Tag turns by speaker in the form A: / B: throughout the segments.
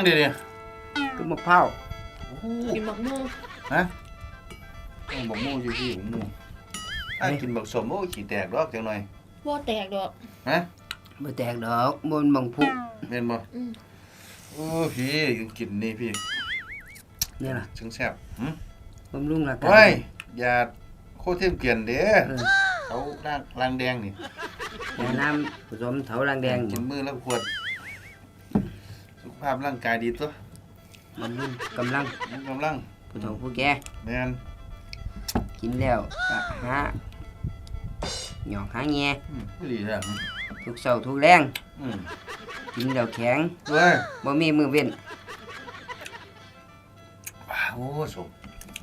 A: ยังเดี๋ยวนี้
B: ก็มะพร้าว
C: กินบักม่วง
A: ฮะบักม่วงจี้บักม่วงถ้ากินบักสมโอ้ขี้แตกดอกจังหน่อย
C: บ่แตกดอก
A: ฮะ
B: บ่แตกดอกบนบังพุ
A: แม่นบ่โอ้พี่กินนี่พี่
B: นี่ล่ะ
A: ถึงแซ่บบ
B: ำรุงร่างกาย
A: โอ้ยอย่าโคตรเทมเกลียนเด้เขาล้างแดงนี่
B: ยาน้ำผสมเถาลังแดง
A: กินมื้อละขวดสุขภาพร่างกายดีตัว
B: บำรุงกำลังผู้เฒ่าผู้แก่
A: แม่น
B: กินแล้วก็หาหยอกหาแง่
A: ดีแท้
B: ทุกเช้าทุกแรงกินแล้วแข็ง
A: เว้ย
B: บ่มีมื้อเว้น
A: โอ้สม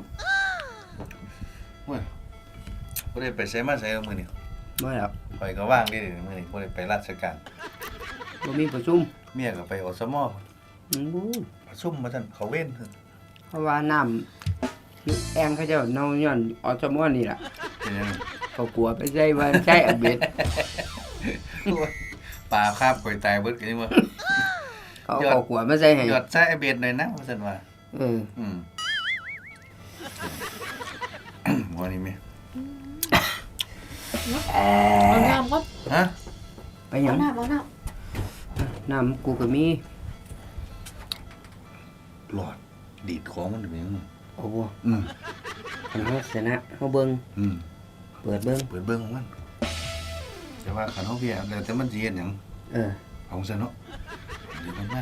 A: เว้ยบ่ได้ไปไสมาไสมื้อนี้
B: บ่ครับ
A: ไปก็ว่างเด้มื้อนี้บ่ได้ไปราชการ
B: บ่มีประชุม
A: เมียก็ไปอสมประชุมมาซั่นเขาเว้น
B: เพราะว่าน้ำแองเขาเจ้าเนาย้อนอสมนี่ล่ะ
A: เป็นยัง
B: เขากลัวไปใช้ว่าใช้อเบ็ด
A: ปลาคาบข่อยตายเบิดกันบ่
B: เขากลัวมาใส่ให้
A: ยอดใช้อเบ็ดหน่อยนะว่าซั่นว่าหัวนี่แม่
C: เอาน้ำก็
A: ฮะ
B: ไปหยัง
C: เอา
B: น้ำกูก็มี
A: หลอดดีดของมันเป็นยัง
B: โอ้โหคันเฮาชนะเฮาเบิ่งเปิดเบิ่ง
A: ของมันแต่ว่าคันเฮาเพียแล้วแต่มันสิเฮ็ดหยังของซั่นเนาะเดี๋ยวมันมา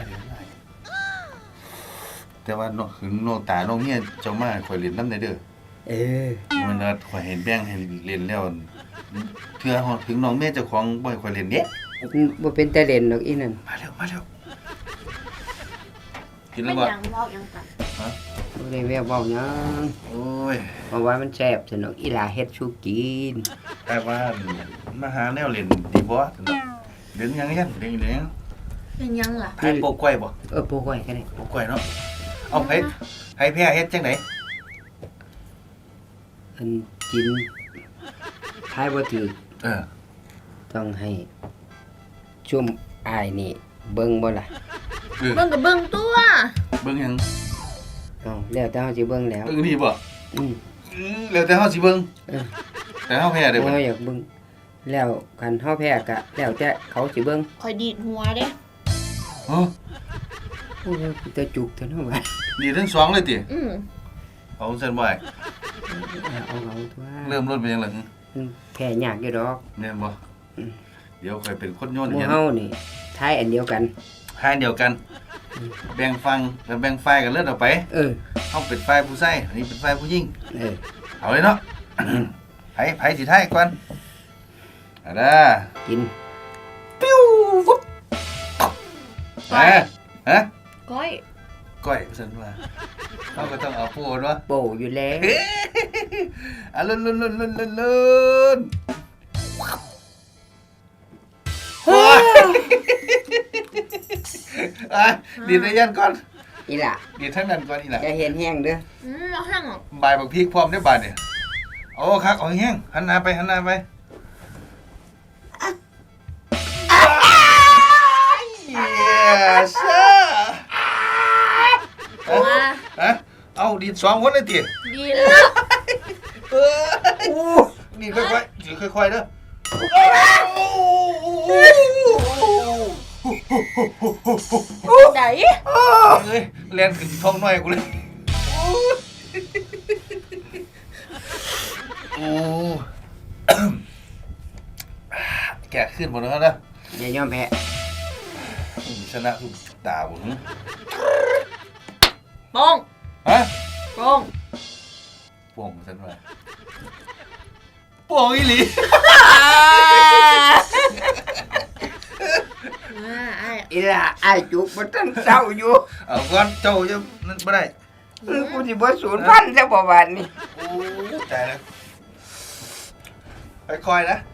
A: แต่ว่าเนาะคือน้องตาน้องเมียเจ้ามาข่อยเล่นนำได้เด้อมันว่าข่อยเห็นแบ่งให้เล่นแล้วเทื่อฮอดถึงน้องเมียเจ้าของบ่ให้ข่อยเล่นเด้
B: บ่เป็นแต่เล่นดอกอีนั่น
A: มาแล้วกินแล้
C: วบ่ยังเว้ายังกัน
B: ฮะบ่ได้แววเว้าหยัง
A: โอ้ย
B: เพราะว่ามันแซ่บสนุกอีหลาเฮ็ดสู่กิน
A: แต่ว่ามาหาแนวเล่นดีบ่สนุกเล่นยังยันเล่น
C: เป็นยังล่ะ
A: ไผโปกกล้วยบ่
B: โปกกล้วยก็ได้
A: โปกกล้วยเนาะเอาไผแพ้เฮ็ดจังได๋
B: อันกินทายบ่ถูกต้องให้ชุ่มอายนี่เบิ่งบ่ล่ะ
C: เบิ่งก็เบิ่งตัว
A: เบิ่งหยัง
B: แล้วแต่เฮาสิเบิ่งแล้ว
A: เบิ่งนี่บ่แล้วแต่เฮาสิเบิ่งแต่เฮาแพ้ได้บ่
B: อยากเบิ่งแล้วคันเฮาแพ้ก็แล้วแต่เขาสิเบิ่ง
C: ข่อยดีดหัวเด้
A: ฮะ
B: โอ้ยแต่จุกเท่านั้นว่า
A: ดีทั้ง2เลยติเอาซั่นบ่
B: เอาตัว
A: เริ่มรถเป็นจังได๋
B: แพ้ยากอยู่ดอก
A: แม่นบ่เดี๋ยวค่อยเป็นคนโยน
B: เฮานี่ทายอันเดียวกัน
A: แบ่งฝั่งแล้วแบ่งฝ่ายกันเลือดออกไปเฮาเป็นฝ่ายผู้ชายอันนี้เป็นฝ่ายผู้หญิงเอาเลยเนาะไผสิทายก่อนเอาล่ะ
B: กิน
A: ปิ้วฟุ๊บฮะ
C: ก้
A: อยซั่นว่าเฮาก็ต้องเอาปูนวะ
B: โปอยู่แล้ว
A: อ่ะลุ้นดีดยันก่อน
B: อีหล่ะ
A: ดีดทั้งนั้นก่อนอีหล่ะ
B: จะเห็นแห้งเด้อ
C: เอาแห้งอ่ะ
A: บายบักพริกพร้อมได้บาดเนี่ยโอ้ครับเอาแห้งหันหน้าไปyes เอาดีด2คนเลยติ
C: ดีแล้ว
A: นี่ค่อยๆเด้อ
C: ไหน
A: เอ้ยเรียนขึ้นท้องน้อยกูเลยโอ้แกขึ้นหมดแล้วนะ
B: อย่ายอมแพ้
A: ชนะทุกตาผม
C: ป้อง
A: ฮะ
C: ป้อง
A: ฉันว่าป้องอีหลี
B: อีล่ะไอ้จุกมันตั้งเศร้าอยู่
A: เอาก่อนเจ้าจะนั่นบ่ได้
B: กูสิบ่สูญพันธุ์แล้วบ่บาดนี้
A: โอ้ตายแล้วค่อยๆนะ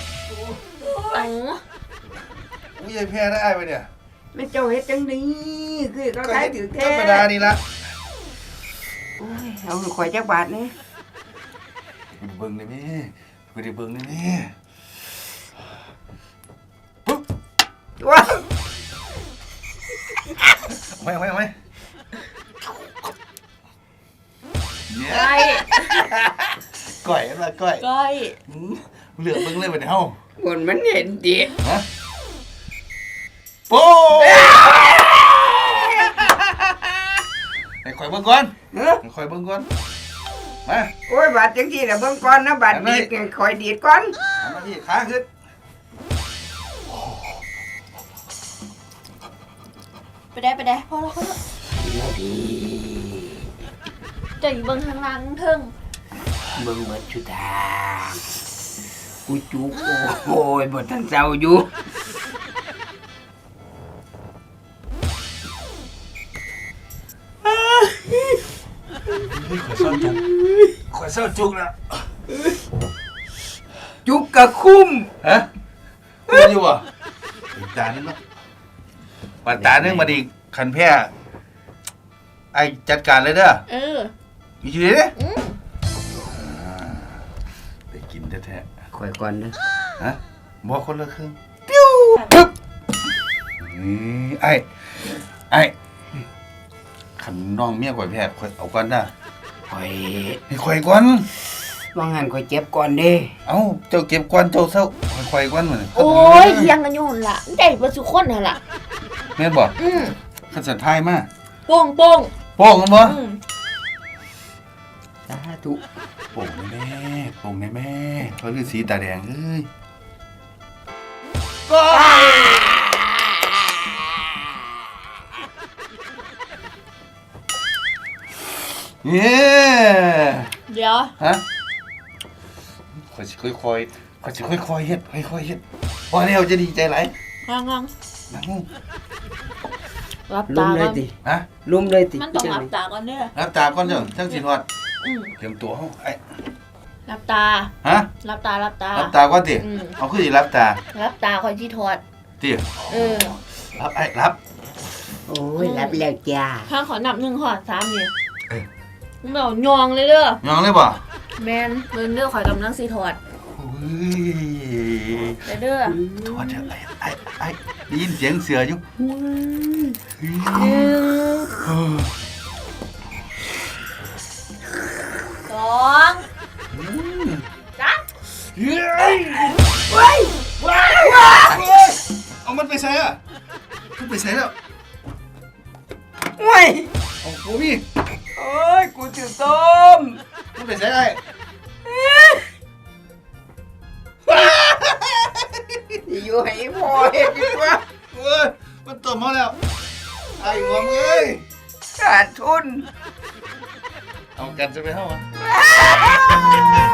A: อุ้ยแพ้ได้ไปเนี่ย
B: ไม่เจ้าเฮ็ดจังนี้คือเขา
A: ก็
B: ขาย
A: เฮ็ด
B: ถือ
A: ธ
B: แท้
A: รรมดานี่ละ
B: โอ้ยเอาข่อยจักบาทนี่
A: กูได้เบิ่งได้แม่กูได้เบิ่งได้แม่ปุ๊บ
B: ว้า
A: เอาไหมเนี่ย
C: ก้อย
A: ก้อยอะไรก้อย
C: ก้อย
A: เหลือกเบิ่งเลยบัดนี้เฮา
B: บนมันเห็นดิ
A: ฮะโป้ให้ข่อยเบิ่งก่อน
B: เฮ้อ
A: ให้ข่อยเบิ่งก่อนมา
B: โอ้ยบาทจังซี่น่ะเบิ่งก่อนนะบาทดีดเนี่ยข่อยดีดก่อน
A: เอามาที่ขาขึ้น
C: ไปได้พอแล้วจะอยู่เบิ่งทางล่างเทิง
B: เบิ่งหมดชุดทางกูจุกโอ้ยบ่ทันเศร้าอยู่
A: ข่อยเศร้าจุกแล้ว
B: จุกกะคุ้ม
A: ฮะคุยอยู่บ่อีกตานึงเนาะปัดตานึงมาดิคันแพ้ไอ้จัดการเลยเด้อ
C: เออ
A: มีชีวิตเด้
C: อืม
A: ได้กินแท้
B: ข่อยก่อนนะ
A: ๆฮะบ่คนละครึ่งปิ้วปึ๊บนี่ไอ้คันน้องเมียข่อยแพ้ข่อยเอาก่อนนะ
B: ข่อย
A: ให้ข่อยก่อน
B: ว่างั้นข่อยเจ็บก่อนเด้
A: เอ้าเจ้าเก็บก่อนเจ้าเศร้าให้ข่อยก่อนมื้อนี้
C: โอ้ยเถียงกันอยู่หั่นล่ะได้เบ่สุคนหั่นล่ะ
A: แม่นบ่
C: อืม
A: คันสันทายมา
C: โป้ง
A: โป้งกันบ่
C: อืม
B: สาธุ
A: โป่งแน่โป่งแม่เขาคือสีตาแดงเอ้ยก็เย้
C: เดี๋ยว
A: ฮะค่อยสิค่อยๆค่อยสิค่อยๆเฮ็ดค่อยๆเฮ็ดพอแล้วจะดีใจหลาย
C: งาง
A: นั่ง
C: ๆรับ
B: ลุ
C: ตาม
B: เล
C: ก่
B: ย
C: อน
B: ติ
A: ฮะ
B: ลุมเลยติ
C: มันต้องรับตาก่อนเด้อ
A: รับตาก่อนเจ้าจังสิฮอด
C: อืม
A: เตรียมตัวเฮาไอ้
C: รับตา
A: ฮะ
C: รับตา
A: รับตาก่อนติ
C: อืม
A: เอาคือสิรับตา
C: รับตาคอยที่ถอด
A: ติ
C: เออ
A: รับไอ้รับ
B: โอ้ยรับแล้วจ้า
C: ข้างขอนับ1ขอ3นี่
A: เอ้ย
C: มึงเอายองเลยเด้อย
A: องเลยบ่
C: แมนเบิ่งเด้อข่อยกำลังสิถอด
A: โอ้ย
C: เด้อ
A: ถอดเถอะไอ้ได้ยินเสียงเสืออยู่
C: 1 2 3
A: เฮ้ยว้ายเอามันไปใส่อะมันไปใส่แล้ว
B: โอ้ย
A: เอาโอ้พี่
B: โอ้ยกูจะต้ม
A: มันไปใส่ไอ้
B: อยู่ให้พอเฮ็ดดีกว่า
A: เอ้ยมันตบมาแล้วไอ้หัวมึงเอ้ย
B: ขาดทุน
A: เอากันจะไปเท่าอ่ะ
B: ไ